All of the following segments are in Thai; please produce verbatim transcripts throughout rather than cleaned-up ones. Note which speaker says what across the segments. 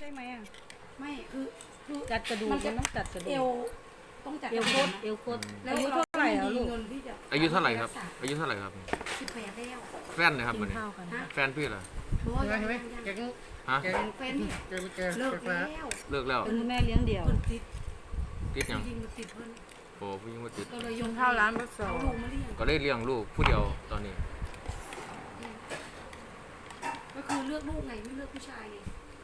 Speaker 1: ช่ไหมอ่ะ
Speaker 2: ไม่คือคือ
Speaker 1: จัดกระดูกมันต้องจัดกระดูก
Speaker 2: เอวต้องจัด
Speaker 1: เอวโคตรเอวโคตรอายุเท่าไหร่อ่ะลูก
Speaker 3: อายุเท่าไหร่ครับอายุเท่าไหร่ครับ
Speaker 2: สิบแปดแล้ว
Speaker 3: แฟนนะครับมันแฟนพี่เหรอ
Speaker 4: ใช่ไหมแกง
Speaker 3: ฮะ
Speaker 4: แกง
Speaker 2: แฟนเนี่ย
Speaker 4: แกงแกง
Speaker 2: เลิก
Speaker 4: ฟ้า
Speaker 2: แล้ว
Speaker 3: เลิกแล้ว
Speaker 1: เป็นแม่เลี้ยงเดี่ยว
Speaker 2: เพิ่นติด
Speaker 3: ติดยัง
Speaker 2: จริงๆติดเพิ่น
Speaker 3: โอ้ผู้หญิงว่าติด
Speaker 2: ก็เลยย
Speaker 4: กิ
Speaker 2: ง
Speaker 4: นข้าวร้านบัสซอ
Speaker 2: เอาลูกมาเลี้ยง
Speaker 3: ก็ได้เลี้ยงลูกผู้เดียวตอนนี้
Speaker 2: ก็คือเลือกลูกไงไม่เลือกผู้ชายไง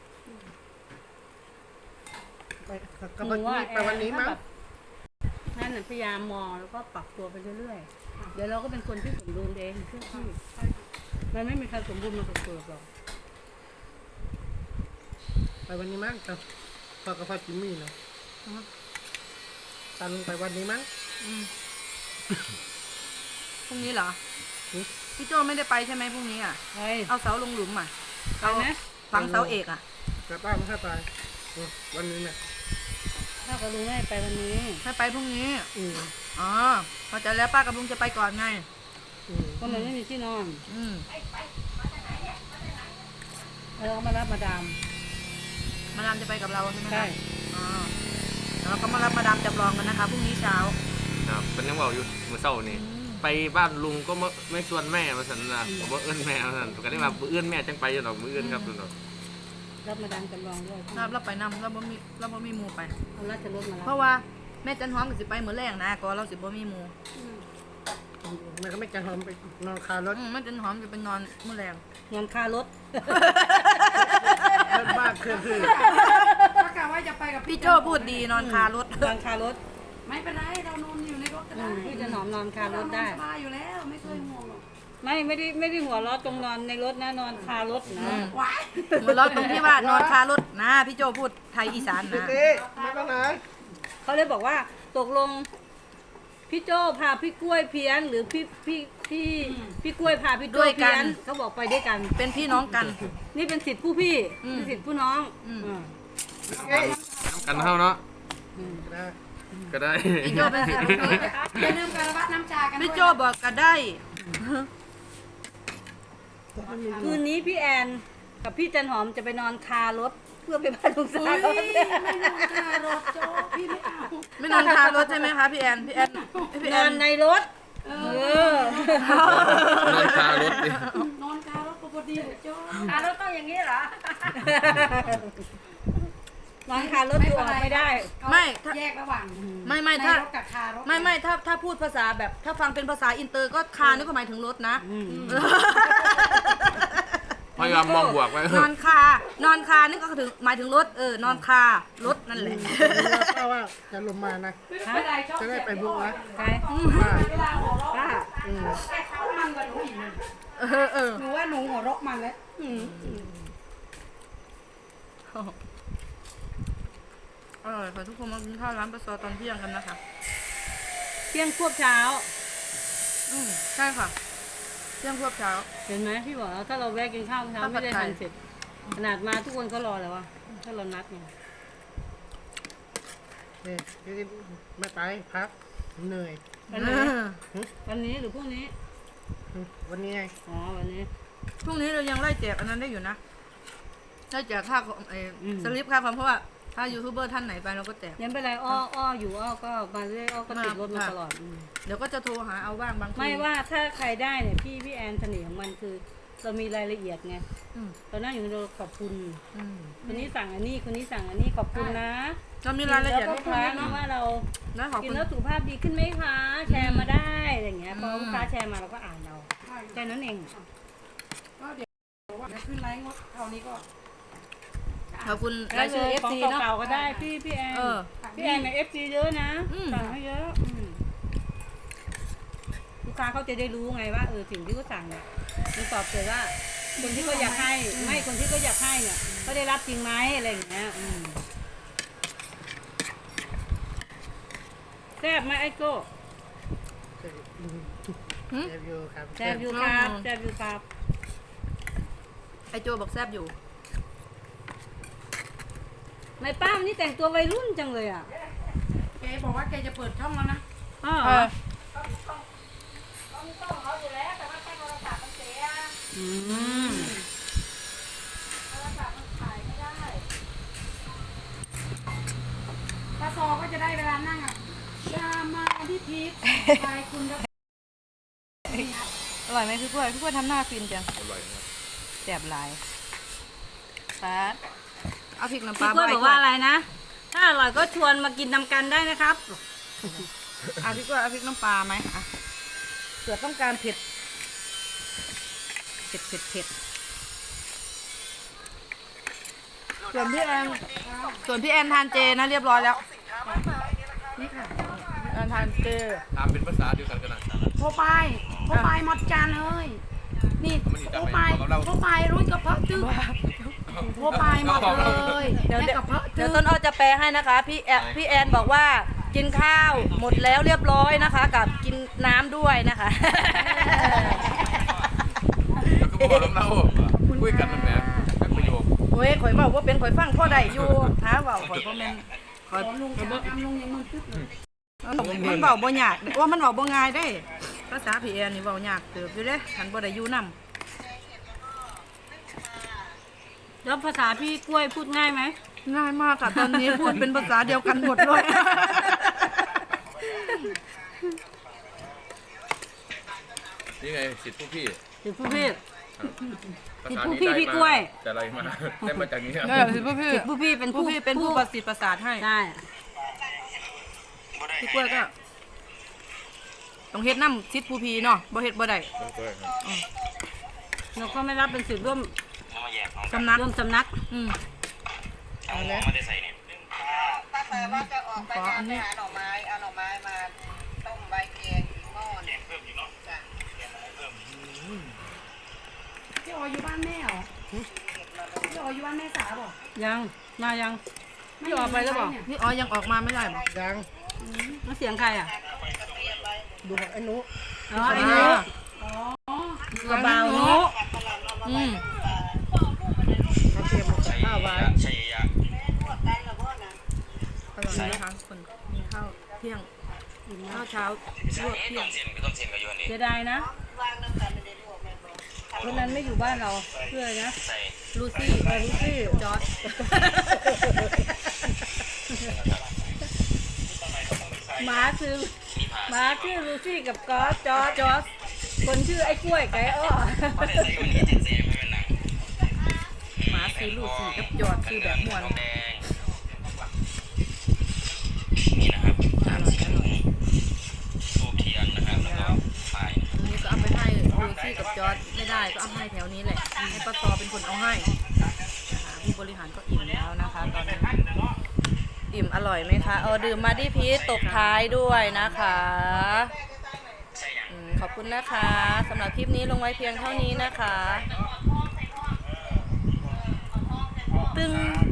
Speaker 4: ไปกับวันนี้ไปวันนี้มั้ง
Speaker 1: นั่นน่ะพยายามมองแล้วก็ปรับตัวไปเรื่อยๆเดี๋ยวเราก็เป็นคนที่สมบูรณ์เองเชื่อพี่มันไม่มีใครสมบูรณ์มากับตัวหรอก
Speaker 4: ไปวันนี้มั้งกับพอกับพ่อจิมมี่เนาะตาลุงไปวันนี้มั้ง
Speaker 5: พรุ่งนี้เหรอ
Speaker 4: อืม
Speaker 5: พี่โจไม่ได้ไปใช่ไหมพรุ่งนี้อ่ะ
Speaker 1: ไป
Speaker 5: เอาเสาลงหลุมอ่ะ
Speaker 1: ไปนะ
Speaker 5: ฝังเสาเอกอ่ะ
Speaker 4: แต่ป้าไม่ให้ไปอืมวันนี้เนี่ย
Speaker 1: ถ้ากับลุงไม่ไปวันนี้
Speaker 5: ให้ไปพรุ่งนี้
Speaker 4: อืม
Speaker 5: อ๋อพอใจแล้วป้ากับลุงจะไปก่อนไง
Speaker 4: อืม
Speaker 1: ก็มันไม่มีที่นอน
Speaker 5: อืม
Speaker 1: แล้วก็มารับมาดาม
Speaker 5: มาดามจะไปกับเราใช่ไหมคะ
Speaker 1: ใช่
Speaker 5: อ๋อแล้วก็มารับมาดามจำลองกันนะคะพรุ่งนี้เช้า
Speaker 3: ครับเป็นยังบอกอยู่เมื่อเช้านี่ไปบ้านลุงก็ไม่ไม่ชวนแม่มาสันนะผมว่าเอื้อนแม่มาสันก็ได้มาเอื้อนแม่จังไปอยู่หรอกมือเอื้อนครับลุง
Speaker 1: รับมาดามจำลองด้วย
Speaker 5: รับรับไปนำเราบ่มีเราบ่มีหมูไป
Speaker 1: เอาราชรถมารับ
Speaker 5: เพราะว่าแม่จันหอมก็สิไปเหมือนแรงนะก็เราสิบ่มีหมู
Speaker 4: แม่ก็ไม่จะหอมไปนอนคารถ
Speaker 5: อืมแม่จันหอมจะไปนอนมื้อแรง
Speaker 1: เงินค่ารถ
Speaker 4: บ้านเคลื่อนที่
Speaker 2: ถ้ากะว่าจะไปกับ
Speaker 5: พี่โจพูดดีนอนคารถ
Speaker 1: นอนคารถ
Speaker 2: ไม่เป็นไรเรานอนอยู่ในรถก็
Speaker 1: อื
Speaker 2: ได้
Speaker 1: มพี่จะหนอมนอนคารถได้
Speaker 2: เรนอนสบายอยู่แล้วไม่เคยห่วงหรอก
Speaker 1: ไม่ไม่ได้ไม่ได้หัวเร้อตรงนอนในรถนะนอนคารถนะ
Speaker 2: ว้าย
Speaker 5: เหมือนเราตรงที่ว่านอนคารถนะพี่โจพูดไทยอีสานนะ
Speaker 4: เอ๊ะไม่ต้องไหน
Speaker 1: เขาเลยบอกว่าตกลงพี่โจ้พาพี่กล้วยเพี้ยนหรือพี่พี่พี่พี่กล้วยพาพี่โจ้เพี้ยนเขาบอกไปด้วยกัน
Speaker 5: เป็นพี่น้องกัน
Speaker 1: นี่เป็นสิทธิ์ผู้พี่
Speaker 5: อืม
Speaker 1: เป็นสิทธิ์ผู้น้อง
Speaker 5: อืม
Speaker 1: อืม
Speaker 4: เอ๊ะ
Speaker 3: กันเท่าเนาะ
Speaker 1: อืม
Speaker 4: ได้
Speaker 3: ก็ได้
Speaker 5: พี่โจเป็นสิทธิ์พี่น้อง
Speaker 2: อย่าลืมการวัดน้ำชากันด้วย
Speaker 5: พี่โจบอกก็ได้
Speaker 1: คืนนี้พี่แอนกับพี่จันหอมจะไปนอนคารถเพื่อไปบ้านลุงสา
Speaker 2: เฮ้
Speaker 1: วย
Speaker 2: ไม่นอนคารถโจพี่ไม่เอา
Speaker 5: ไม่นอนคารถใช่ไหมคะพี่แอนพี่แอนพี่
Speaker 1: น
Speaker 5: แอ
Speaker 1: อน
Speaker 5: น
Speaker 1: ในรถ
Speaker 2: เอ
Speaker 1: เอ
Speaker 2: อ
Speaker 1: อน
Speaker 3: อนคารถดิ
Speaker 2: นอนคารถพอดีเลยโจ
Speaker 1: คารถต้องอย่างนี้เหรอ นอนคารถอยู่ออกไม่ได้
Speaker 5: ไม่ถ้า
Speaker 2: แยกระหว่าง
Speaker 5: ไม่ไม่ถ้า
Speaker 2: ในรถกับคารถ
Speaker 5: ไม่ไม่ถ้าถ้าพูดภาษาแบบ ถ้าฟังเป็นภาษาอินเตอร์ก็คานี่ก็หมายถึงรถนะ
Speaker 1: อืม
Speaker 3: พยายามมองบวกไว้
Speaker 5: นอนคานอนคานี่ก็ถึงหมายถึงรถเออนอนคารถนั่นแหละ
Speaker 4: เพราะว่าจะลงมานะ
Speaker 2: ไม่เป็นไรชอบ
Speaker 4: จะได้ไปบุกนะ
Speaker 1: ใคร
Speaker 4: ว่า
Speaker 2: เวลาหัวเราะ
Speaker 1: ป้า
Speaker 4: อืม
Speaker 2: แค่เขามันกับหนูอีกนะ
Speaker 5: เออเออ
Speaker 2: หนูว่าหนูหัวเราะมันแล้ว
Speaker 5: อร่อยค่ะทุกคนมากินข้าวร้านปลาซอตอนเที่ยงกันนะคะ
Speaker 1: เที่ยงควบเช้า
Speaker 5: อืมใช่ค่ะเที่ยงควบเช้า
Speaker 1: เห็นไหมพี่บอกแล้วถ้าเราแวะกินข้าวเช้า
Speaker 5: ข้าวผั
Speaker 1: ไม่
Speaker 5: ด
Speaker 1: ได้
Speaker 5: ไข่
Speaker 1: ทันเสร็จขนาดมาทุกคนก็รอแล้ววะถ้าเรานัดไง
Speaker 4: เนี่ยไม่ไปพักเหนื่อย
Speaker 1: วันนี้วันนี้หรือพรุ่งนี้
Speaker 4: อืมวันนี้ไง
Speaker 1: อ๋อวันนี้
Speaker 5: พรุ่งนี้เรายังไล่แจกอันนั้นได้อยู่นะไล่แจกค่าของเอออ
Speaker 1: ม
Speaker 5: สลิปค่าความเพราะว่าถ้ายูทูบเบอร์ท่านไหนไปเราก็แจก
Speaker 1: ยังเป็นไรอ้ออ้ออยู่อ้อก็มาเรื่อยอ้อก็ติดรถมา
Speaker 5: ค่ะ
Speaker 1: ตลอดอืม
Speaker 5: เดี๋ยวก็จะโทรหาเอาบ้างบางที
Speaker 1: ไม่ว่าถ้าใครได้เนี่ยพี่พี่แอนเสน่ห์ของมันคือ เรามีรายละเอียดไง
Speaker 5: อืม
Speaker 1: ตอนนั้นอยู่เราขอบคุณ
Speaker 5: อืม
Speaker 1: คนนี้สั่งอันนี้คนนี้สั่งอันนี้ขอบคุณนะ
Speaker 5: เรามีรายละเอียด
Speaker 1: แล้ว
Speaker 5: ให้
Speaker 1: ก็
Speaker 5: ฟั
Speaker 1: ค้าง
Speaker 5: เนาะ
Speaker 1: ว่าเรา
Speaker 5: นะขอบ
Speaker 1: กิน
Speaker 5: คุณ
Speaker 1: แล้วสุขภาพดีขึ้นไหมคะ แชร์มาได้อะไรอย่างเงี้ยพอ
Speaker 5: อืม
Speaker 1: ลูกค้าแชร์มาเราก็อ่านเราแค่นั้นเอง
Speaker 2: ก็เดี๋ยวว่าขึ้นไลฟ์งดเท่านี้ก็
Speaker 5: ขอบคุณ
Speaker 1: แล้
Speaker 5: รา
Speaker 1: วย
Speaker 5: ชื่อ
Speaker 1: ข
Speaker 5: เอ
Speaker 1: อง
Speaker 5: ฟซีเนาะ
Speaker 1: เก่าๆก็ได้พี่พี่แอน
Speaker 5: เออ
Speaker 1: พี่แอนเนี่ยเอฟซีเยอะนะ
Speaker 5: อืม
Speaker 1: สั่งให้เยอะอืมลูกค้าเขาจะได้รู้ไงว่าเออสิ่งที่เขาสั่งเนี่ยมันตอบโจทย์ว่าคนที่เขาอยากให้ไม่คนที่เขาอยากให้เนี่ยเขาได้รับจริงไหมอะไรอย่างเงี้ยอืมแซ่บไหมไอ้โก้
Speaker 5: หึ
Speaker 4: เซฟอยู่ครับ
Speaker 1: แซ่บอยู่ครับแซ่บอยู่ครับ
Speaker 5: ไอโจบอกแซบอยู่
Speaker 1: ไม่ป้ามนนี่แต่งตัววัยรุ่นจังเลยอ่ะ
Speaker 2: แกบอกว่าแกจะเปิดช่องแล้วนะ
Speaker 1: อ้าว
Speaker 5: เออ
Speaker 1: อืม
Speaker 2: นั่งอ่ะยามาที่พีชไปคุณก็
Speaker 5: อร่อยไหมพี่กล้วยพี่กล้วยทำหน้าฟินจัง
Speaker 3: อร่อยครับ
Speaker 5: แซ่บหลายป๊าดเอาพริกน้ำป
Speaker 1: พี่
Speaker 5: ลาก
Speaker 1: ล้วย
Speaker 5: ใ
Speaker 1: บอกว่าอะไรนะ ถ้าอร่อยก็ชวนมากินนำกันได้นะครับ
Speaker 5: อ่ะพี่กล้วยเอาพริกน้ำปลาไหมอ่ะเผื่อต้องการเผ็ดเผ็ดเผ็ดเผ็ดส่วนพี่แอนส่วนพี่แอนทานเจนะเรียบร้อยแล้ว
Speaker 2: นี่ค่ะ
Speaker 5: แอนทานเจ
Speaker 3: ถามเป็นภาษาเดียวกันกันนะ
Speaker 2: โพไปโพไปหมดจานเลยนี่โพไปโพไปรุ่นกระเพาะตึ๊กโพไปหมดเลย
Speaker 5: เดี๋ยว
Speaker 2: แม่
Speaker 5: เดี๋ยว
Speaker 2: กระเพาะ
Speaker 5: เดี๋
Speaker 2: ตึ๊
Speaker 5: ยว
Speaker 2: ก
Speaker 5: ต้นอ้อจะแปลให้นะคะ พี่แอนพี่แอนบอกว่ากินข้าวหมดแล้วเรียบร้อยนะคะ กับกินน้ำด้วยนะคะ
Speaker 3: แล้วก็บอกเราคุยกันนั่นแหละแค่ประโยค
Speaker 5: โอ้ยข่อยบอกว่าเป็นข่อยฟังพ่อใดอยู่หาเบาข่อยพ่อแม่นข่อย
Speaker 2: ลุงจะทำลุงยังมึนตึ๊กเลย
Speaker 5: มันเบาบ่ยากว่ามันเบาบ่ง่ายได้ภาษาพี่แอนนี่เบายากเติบอยู่เด้คันบ่ได้อยู่นำ
Speaker 1: แล้วภาษาพี่กล้วยพูดง่ายไหม
Speaker 5: ง่ายมากค่ะตอนนี้พูดเป็นภาษาเดียวกันหมดเลย
Speaker 3: นี่ไงสิทธิผู้พี่
Speaker 1: ถึงผู้พี่
Speaker 3: ภา
Speaker 1: สิทธิ
Speaker 3: ษา
Speaker 1: ผู้
Speaker 3: นี้
Speaker 1: พี่
Speaker 3: ได้
Speaker 1: พี่
Speaker 3: มาก
Speaker 1: ล้วย
Speaker 3: แต่อะไรมาได้มาจากนี้ครับ
Speaker 5: เออพี่พี่
Speaker 1: สิทธิผู้พี่เป็น
Speaker 5: ผู้พี่เป็นผู้ประสิทธิ์ประสาทให้
Speaker 1: ใช่
Speaker 5: พี่กล้วยก็ต้องเฮ็ดน้ำซิดผู้พีเนาะบ่เฮ็ดบ่ได้
Speaker 1: เราก็ไม่รับเป็นสิทธิ์ร่วม
Speaker 5: สำนัก
Speaker 1: ร่วมสำนัก
Speaker 5: อืมเอาเลย
Speaker 6: ป้าแปลว่าจะออกไป
Speaker 5: ขออันนี้
Speaker 6: หาหน่อไม้ เอาหน่อไม้มาต้มใบแกงหม้อเนี่ยจ้ะ
Speaker 2: พี่ออยอยู่บ้านแม่เหรอพี่ออยอยู่บ้านแม่สาวบอก
Speaker 1: ยังมายังพี่ออกไปแล้วบอก
Speaker 5: พี่อ๋อยังออกมาไม่ได้บ่
Speaker 4: ยัง
Speaker 1: แล้วเสียงใครอ่ะ
Speaker 4: ดูของไอ้นุ
Speaker 1: อ๋อไอ้หนูกระเบาหนู
Speaker 5: อืม
Speaker 4: เขาเตรียมข้าวไว้
Speaker 5: อร่อยนะคะคนกินข้าวเที่ยงข้าวเช้าลวกเที่ยง
Speaker 1: เสียดายนะวันนั้นไม่อยู่บ้านเราเพื่ออะไรนะลูซี่เออลูซี่จอร์ดหมาคือหมาชื่อลูซี่กับกอสจอร์ดจอร์ดคนชื่อไอ้กล้วยไก่อ้อ
Speaker 5: หมาซื้อลูกสี่กับยอดซื้อแบบม่วนอร่อยอร่อยแล้วอันนี้ก็เอาไปให้ลูซี่กับจอร์ดไม่ได้ก็เอาให้แถวนี้แหละให้ป้าตอเป็นคนเอาให้นะคะผู้บริหารก็อิ่มแล้วนะคะตอนนี้อิ่มอร่อยไหมคะเออดื่มมาดิพีชตบท้ายด้วยนะคะอืมขอบคุณนะคะสำหรับคลิปนี้ลงไว้เพียงเท่านี้นะคะ ตึง